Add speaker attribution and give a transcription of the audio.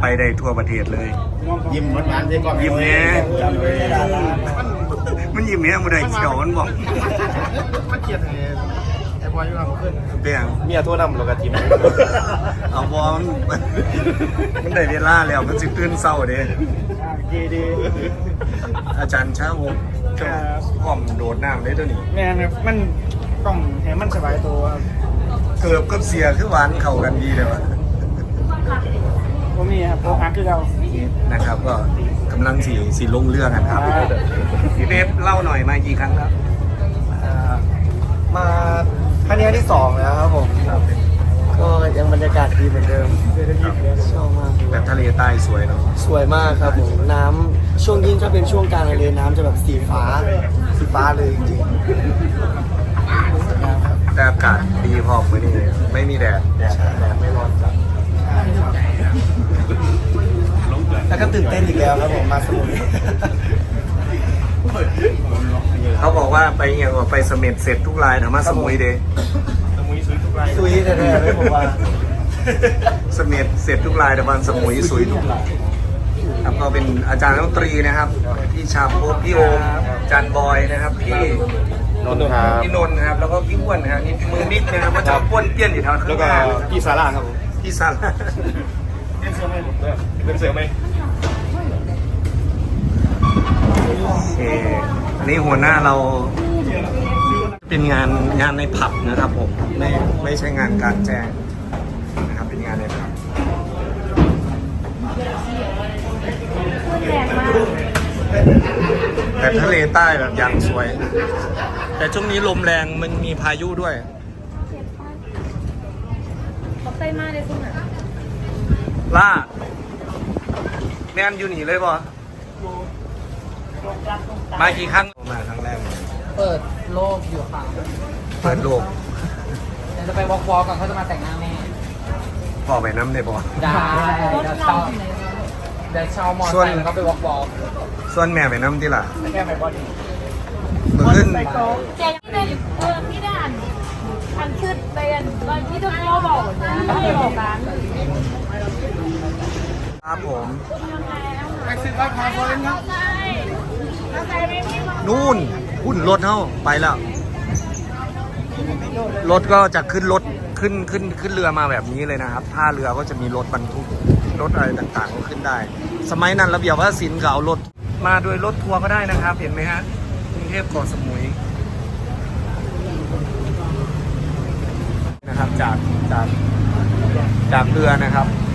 Speaker 1: ไปได้ทั่วประเทศเลย
Speaker 2: ยิ้มหวานๆได้ก่อน
Speaker 1: ยิ้มแน่มันยิ้มแน่มันได้เขียวมันบอก
Speaker 2: มันเกลียดไอ้บอยอยู่กับเพื่อน
Speaker 1: เปียง
Speaker 2: เมียโทษนำเรากระทิม
Speaker 1: เอาบอลมันได้เวลาแล้วมันสิตื่นเศร้าเด้
Speaker 2: ดี
Speaker 1: อาจารย์ช้าวงพร้อมโดดน้ำได้ตัวนี้
Speaker 2: แม่ครับมันต้องให้มันสบายตัว
Speaker 1: เกือบกับเสียคือหวานเข้ากันดีเลยวะ
Speaker 2: ผมมีครับโปรฮักคือเรา
Speaker 1: นะครับก็กำลังสีลงเรือกันครับพี่เบฟเล่าหน่อยมากี่ครั้งแล้ว
Speaker 3: มาครั้งนี้ที่2แล้วครับผมก็ยังบรรยากาศดีเหมือนเดิมชอบมาก
Speaker 1: แบบทะเลใต้สวยเนาะ
Speaker 3: สวยมากครับผมน้ำช่วงยิ่งถ้าเป็นช่วงกลางทะเลน้ำจะแบบสีฟ้าเลยจริง
Speaker 1: แต่อากาศดีพอมือนี้ไม่มีแดดไม่ร้อนจัด
Speaker 3: ๆแล้วก็ตื่นเต้นอีกแล้วครับผมมาสมุย
Speaker 1: เขาบอกว่าไปเอียงว่าไปเสม็ดเสร็จทุกรายนะมาสมุยเดย์
Speaker 3: ซุยแท้ๆเลยผมว่า
Speaker 1: เสม็ดเสร็จทุกรายแต่วันสมุยสวยทุกรายครับก็เป็นอาจารย์ดนตรีนะครับพี่ชาโพพี่โอมอาจารย์บอยนะครับพี่
Speaker 2: นนท์ครับ
Speaker 1: พี่นนท์นะครับแล้วก็พี่อ้วนนะครับนี่มือมิกนะครับว่าจะป้วนเปี้ยนอยู่แถวข้าง
Speaker 2: แล้ว
Speaker 1: ห
Speaker 2: ก็
Speaker 1: น้า
Speaker 2: พี่ซาร่าครับผม
Speaker 1: พี่ซัน
Speaker 2: เล่นเสือไหมผมด้วยเล่นเสือไหม
Speaker 1: โอเคอันนี้หัวหน้าเราเป็นงานในผับนะครับผมไม่ใช่งานกลารแจ้งนะครับเป็นงานในผับแต่ทะเลใต้แบบอย่างสวย แต่ช่วงนี้ลมแรงมันมีพายุด้วย
Speaker 4: เขาใส่มาเลยคุณอ่ะ
Speaker 1: ล่าแม่นอยู่หนีเลยป่ะมากี่ครั้งมาครั้งแรก
Speaker 5: เปิดโลกอยู่ค่ะ
Speaker 1: เปิดโลก
Speaker 5: เดี๋ยวจะไปวอล์กก่อนเขาจะมาแต่งหน้าแม่
Speaker 1: พ่อไปน้ำได้ป่ะ
Speaker 5: ได้เดี๋ยวเช่ามอเตอร์ไซค์แล้วก็ไปวอล์ก
Speaker 1: ส่วนแม่ไปน้ำที่ล่ะ
Speaker 2: แค่ไปบอล
Speaker 1: เมื่อขึ้น
Speaker 4: แจกที่เป็นพี่ด่านอันขึ้นไปอันตอนที่ทุกพ่อบอกไม่บอกกัน
Speaker 1: ครับผม
Speaker 2: แท็กซี่ราคาพอเล่นครับ
Speaker 4: ใช่ถ้าใครไม่มีมา
Speaker 1: นู่นหุ่นรถเท่าไปแล้วรถก็จะขึ้นรถขึ้นเรือมาแบบนี้เลยนะครับท่าเรือก็จะมีรถบรรทุกรถอะไรต่างๆก็ขึ้นได้ สมัยนั้นระเบียบว่าสินเขาเอารถมาโดยรถทัวร์ก็ได้นะครับเห็นไหมฮะกรุงเทพเกาะสมุยนะครับจากเรือนะครับ